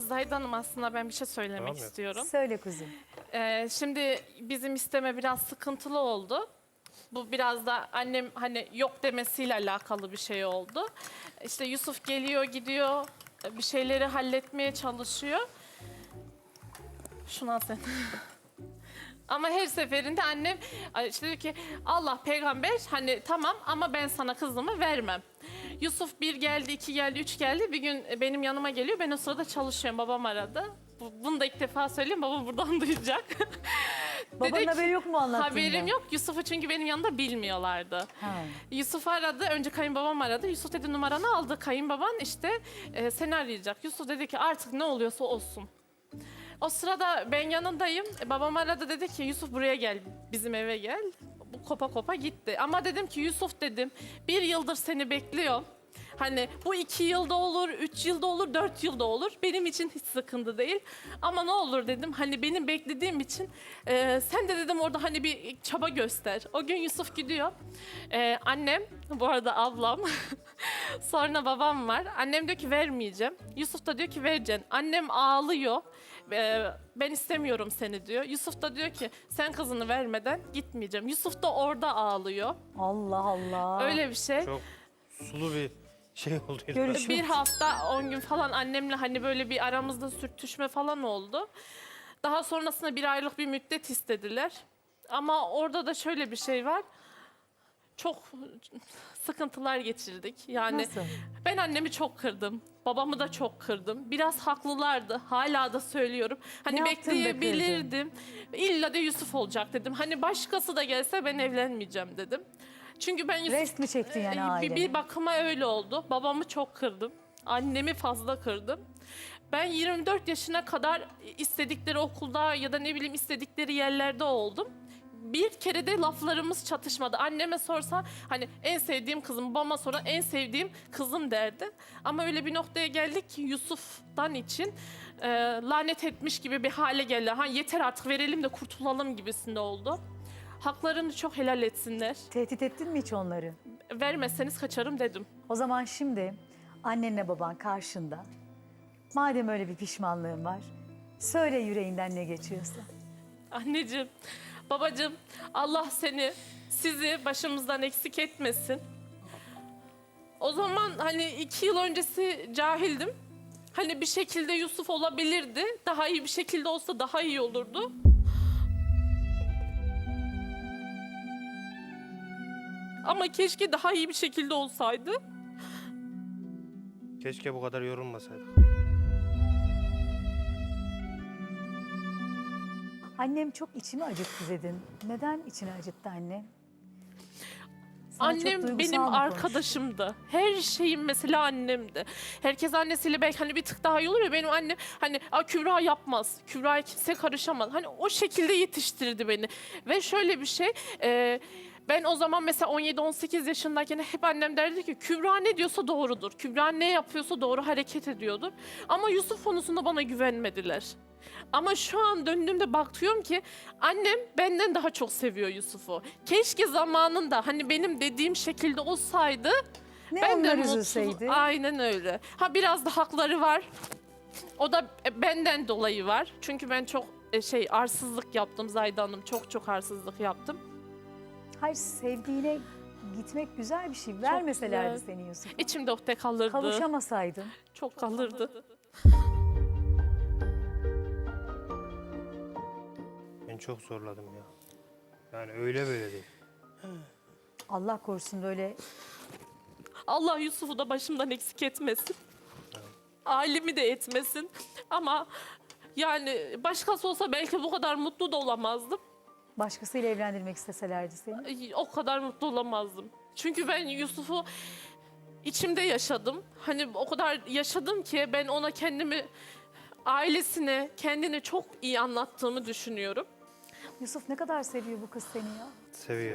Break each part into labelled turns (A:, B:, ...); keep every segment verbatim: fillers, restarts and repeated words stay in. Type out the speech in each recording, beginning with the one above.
A: Zahide Hanım, aslında ben bir şey söylemek
B: Tamam ya.
A: istiyorum.
C: Söyle kuzum.
A: Ee, şimdi bizim isteme biraz sıkıntılı oldu. Bu biraz da annem hani yok demesiyle alakalı bir şey oldu. İşte Yusuf geliyor gidiyor, bir şeyleri halletmeye çalışıyor. Şunu al sen. Ama her seferinde annem işte diyor ki Allah peygamber hani tamam ama ben sana kızımı vermem. Yusuf bir geldi, iki geldi, üç geldi. Bir gün benim yanıma geliyor. Ben o sırada çalışıyorum. Babam aradı. Bu- Bunu da ilk defa söyleyeyim. Babam buradan duyacak.
C: Babanın
A: Dedi ki-
C: haberi yok mu anlattığında?
A: Haberim yok. Yusuf'u çünkü benim yanımda bilmiyorlardı.
C: Ha.
A: Yusuf aradı. Önce kayınbabam aradı. Yusuf dedi numaranı aldı. Kayınbaban işte e, seni arayacak. Yusuf dedi ki artık ne oluyorsa olsun. O sırada ben yanındayım. E, Babam aradı, dedi ki Yusuf buraya gel. Bizim eve gel. Bu kopa kopa gitti. Ama dedim ki Yusuf dedim bir yıldır seni bekliyorum. Hani bu iki yılda olur, üç yılda olur, dört yılda olur. Benim için hiç sıkıntı değil. Ama ne olur dedim hani benim beklediğim için e, sen de dedim orada hani bir çaba göster. O gün Yusuf gidiyor. E, annem, bu arada ablam, sonra babam var. Annem diyor ki vermeyeceğim. Yusuf da diyor ki vereceksin. Annem ağlıyor. E, ben istemiyorum seni diyor. Yusuf da diyor ki sen kızını vermeden gitmeyeceğim. Yusuf da orada ağlıyor.
C: Allah Allah.
A: Öyle bir şey.
B: Çok sulu bir şey oldu. yine.
C: Görüş-
A: Bir hafta on gün falan annemle hani böyle bir aramızda sürtüşme falan oldu. Daha sonrasında bir aylık bir müddet istediler. Ama orada da şöyle bir şey var. Çok sıkıntılar geçirdik. Yani
C: Nasıl?
A: ben annemi çok kırdım. Babamı da çok kırdım. Biraz haklılardı. Hala da söylüyorum. Hani
C: Ne yaptın da kırdın?
A: bekleyebilirdim. İlla da Yusuf olacak dedim. Hani başkası da gelse ben evlenmeyeceğim dedim. Çünkü ben Yusuf...
C: Rest mi çektin yani
A: Ee,
C: aileni?
A: bir, bir bakıma öyle oldu. Babamı çok kırdım. Annemi fazla kırdım. Ben yirmi dört yaşına kadar istedikleri okulda ya da ne bileyim istedikleri yerlerde oldum. Bir kere de laflarımız çatışmadı. Anneme sorsa hani en sevdiğim kızım, babama sonra en sevdiğim kızım derdi. Ama öyle bir noktaya geldik ki Yusuf'tan için e, lanet etmiş gibi bir hale geldi. Ha yeter artık verelim de kurtulalım gibisinde oldu. Haklarını çok helal etsinler.
C: Tehdit ettin mi hiç onları?
A: Vermezseniz kaçarım dedim.
C: O zaman şimdi annenle baban karşında. Madem öyle bir pişmanlığın var, söyle yüreğinden ne geçiyorsa.
A: Anneciğim, babacığım, Allah seni, sizi başımızdan eksik etmesin. O zaman hani iki yıl öncesi cahildim. Hani bir şekilde Yusuf olabilirdi. Daha iyi bir şekilde olsa daha iyi olurdu. Ama keşke daha iyi bir şekilde olsaydı.
B: Keşke bu kadar yorulmasaydık.
C: Annem çok içimi acıttı dedin. Neden içini acıttı anne? Sana çok
A: Annem
C: duygusal
A: benim
C: mı konuştu?
A: arkadaşımdı. Her şeyim mesela annemdi. Herkes annesiyle belki hani bir tık daha iyi olur ya, benim annem hani "Aa, Kübra yapmaz, Kübra'ya kimse karışamaz." Hani o şekilde yetiştirdi beni. Ve şöyle bir şey, e, ben o zaman mesela on yedi on sekiz yaşındayken hep annem derdi ki Kübra ne diyorsa doğrudur. Kübra ne yapıyorsa doğru hareket ediyordur. Ama Yusuf konusunda bana güvenmediler. Ama şu an döndüğümde bakıyorum ki annem benden daha çok seviyor Yusuf'u. Keşke zamanında hani benim dediğim şekilde olsaydı
C: Ne
A: ben de
C: onlar
A: mutlu.
C: üzülseydi?
A: Aynen öyle. Ha biraz da hakları var. O da e, benden dolayı var. Çünkü ben çok e, şey arsızlık yaptım Zahide Hanım. Çok çok arsızlık yaptım.
C: Hayır, sevdiğine gitmek güzel bir şey. Vermeselerdi
A: güzel.
C: seni Yusuf.
A: İçimde ukde kalırdı.
C: Kavuşamasaydın.
A: Çok kalırdı.
B: Ben çok zorladım ya. Yani öyle böyle değil.
C: Allah korusun böyle.
A: Allah Yusuf'u da başımdan eksik etmesin. Ailemi de etmesin. Ama yani başkası olsa belki bu kadar mutlu da olamazdım.
C: Başkasıyla evlendirmek isteselerdi seni.
A: Ay, o kadar mutlu olamazdım. Çünkü ben Yusuf'u içimde yaşadım. Hani o kadar yaşadım ki ben ona kendimi, ailesine, kendini çok iyi anlattığımı düşünüyorum.
C: Yusuf ne kadar seviyor bu kız seni ya.
B: Seviyor.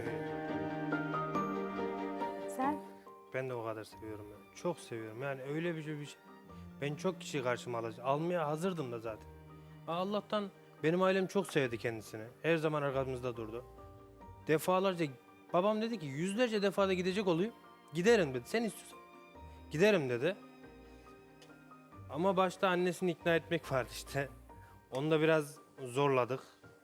C: Sen?
B: Ben de o kadar seviyorum ya. Çok seviyorum. Yani öyle bir şey bir şey. Ben çok kişi karşıma alacağım. Almaya hazırdım da zaten. Allah'tan benim ailem çok sevdi kendisini. Her zaman arkamızda durdu. Defalarca babam dedi ki yüzlerce defada gidecek oluyor. Giderim dedi. Sen istiyorsan giderim dedi. Ama başta annesini ikna etmek vardı işte. Onu da biraz zorladık.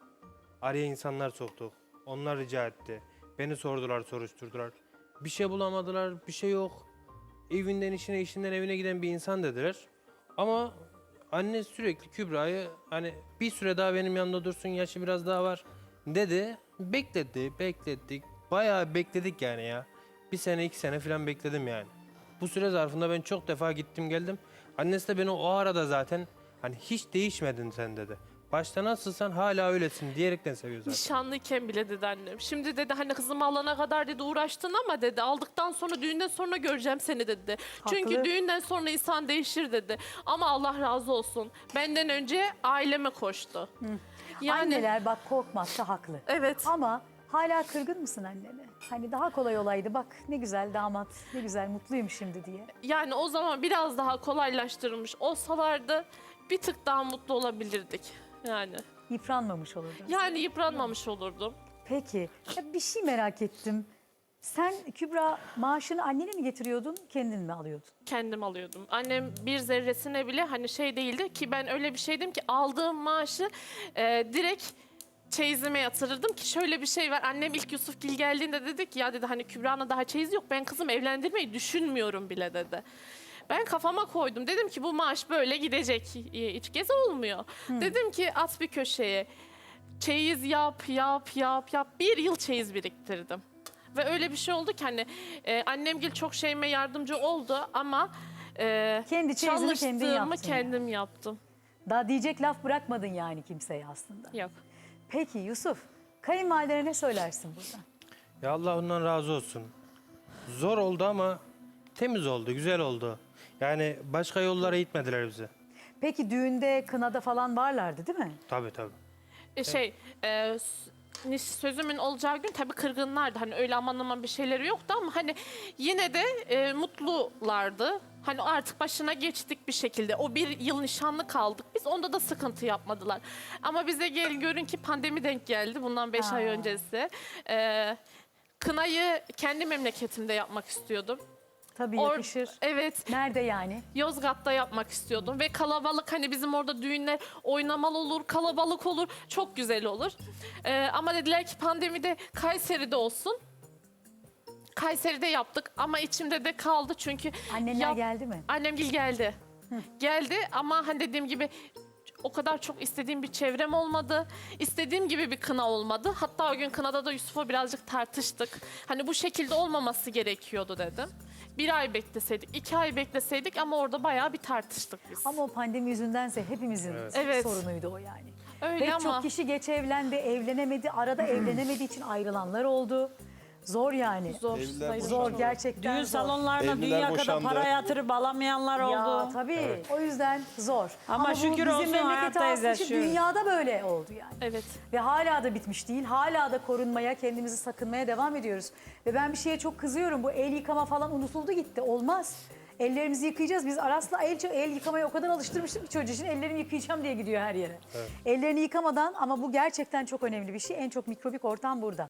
B: Araya insanlar soktuk. Onlar rica etti. Beni sordular, soruşturdular. Bir şey bulamadılar, bir şey yok. Evinden işine, işinden evine giden bir insan dediler. Ama anne sürekli Kübra'yı hani bir süre daha benim yanımda dursun, yaşı biraz daha var dedi. Bekledi, beklettik. Bayağı bekledik yani ya. Bir sene, iki sene falan bekledim yani. Bu süre zarfında ben çok defa gittim geldim. Annesi de beni o arada zaten hani hiç değişmedin sen dedi. Başta nasılsan hala öylesin diyerekten seviyor zaten.
A: Nişanlıyken bile dedi annem. Şimdi dedi hani kızımı alana kadar dedi uğraştın ama dedi aldıktan sonra düğünden sonra göreceğim seni dedi. Çünkü
C: Haklı.
A: düğünden sonra insan değişir dedi. Ama Allah razı olsun. Benden önce aileme koştu. Yani
C: Anneler bak korkmakta haklı.
A: evet.
C: Ama hala kırgın mısın annene? Hani daha kolay olaydı bak ne güzel damat, ne güzel mutluyum şimdi diye.
A: Yani o zaman biraz daha kolaylaştırılmış olsalardı bir tık daha mutlu olabilirdik. Yani
C: Yıpranmamış olurdun.
A: yani yıpranmamış olurdum.
C: Peki ya bir şey merak ettim. Sen Kübra maaşını annene mi getiriyordun, kendin mi alıyordun?
A: Kendim alıyordum. Annem bir zerresine bile hani şey değildi ki ben öyle bir şeydim ki aldığım maaşı e, direkt çeyizime yatırırdım ki şöyle bir şey var. Annem ilk Yusufgil geldiğinde dedi ki ya dedi hani Kübra'na daha çeyiz yok ben kızım evlendirmeyi düşünmüyorum bile dedi. Ben kafama koydum. Dedim ki bu maaş böyle gidecek. Hiç gez olmuyor. Dedim ki at bir köşeye. Çeyiz yap, yap, yap, yap. Bir yıl çeyiz biriktirdim. Ve öyle bir şey oldu ki hani e, annemgil çok şeyime yardımcı oldu ama e,
C: Kendi çeyizini kendin
A: çalıştığımı
C: yaptın
A: kendim yaptım.
C: Daha diyecek laf bırakmadın yani kimseye aslında.
A: Yok.
C: Peki Yusuf, kayınvalidene ne söylersin burada?
B: Ya Allah ondan razı olsun. Zor oldu ama temiz oldu, güzel oldu. Yani başka yollara gitmediler bizi.
C: Peki düğünde, kınada falan varlardı değil mi?
B: Tabii tabii.
A: E, şey e, s- niş- sözümün olacağı gün tabii kırgınlardı. Hani öyle aman aman bir şeyleri yoktu ama hani yine de e, mutlulardı. Hani artık başına geçtik bir şekilde. O bir yıl nişanlı kaldık. Biz onda da sıkıntı yapmadılar. Ama bize gel görün ki pandemi denk geldi. Bundan beş ay
C: Ha.
A: öncesi. E, kınayı kendi memleketimde yapmak istiyordum.
C: Tabii
A: Or-
C: yakışır.
A: Evet.
C: Nerede yani?
A: Yozgat'ta yapmak istiyordum ve kalabalık hani bizim orada düğünler oynamalı olur, kalabalık olur, çok güzel olur. Ee, ama dediler ki pandemide Kayseri'de olsun. Kayseri'de yaptık ama içimde de kaldı çünkü
C: Annenler
A: yap-
C: geldi mi?
A: annemgil geldi. Geldi ama hani dediğim gibi o kadar çok istediğim bir çevrem olmadı. İstediğim gibi bir kına olmadı. Hatta o gün kınada da Yusuf'la birazcık tartıştık. Hani bu şekilde olmaması gerekiyordu dedim. Bir ay bekleseydik, iki ay bekleseydik ama orada bayağı bir tartıştık biz.
C: Ama o pandemi yüzündense hepimizin
A: Evet.
C: sorunuydu o yani.
A: Öyle
C: Pek
A: ama
C: çok kişi geç evlendi, evlenemedi, arada evlenemediği için ayrılanlar oldu. Zor yani.
A: zor.
D: Evliler
A: sayılır.
C: Zor gerçekten
E: Düğün
C: zor.
E: salonlarına
D: Evliler
E: dünya kadar
D: boşandı.
E: para yatırıp alamayanlar
C: Ya
E: oldu.
C: tabii. O yüzden zor.
E: Ama
C: bu
E: şükür
C: bizim
E: olsun
C: memleketi
E: hayattayız,
C: aslında için
E: yaşıyoruz.
C: dünyada böyle oldu yani.
A: Evet.
C: Ve hala da bitmiş değil. Hala da korunmaya, kendimizi sakınmaya devam ediyoruz. Ve ben bir şeye çok kızıyorum. Bu el yıkama falan unutuldu gitti. Olmaz. Ellerimizi yıkayacağız. Biz Aras'la el, el yıkamaya o kadar alıştırmıştık ki çocuğu için ellerimi yıkayacağım diye gidiyor her yere. Ellerini yıkamadan ama bu gerçekten çok önemli bir şey. En çok mikrobik ortam burada.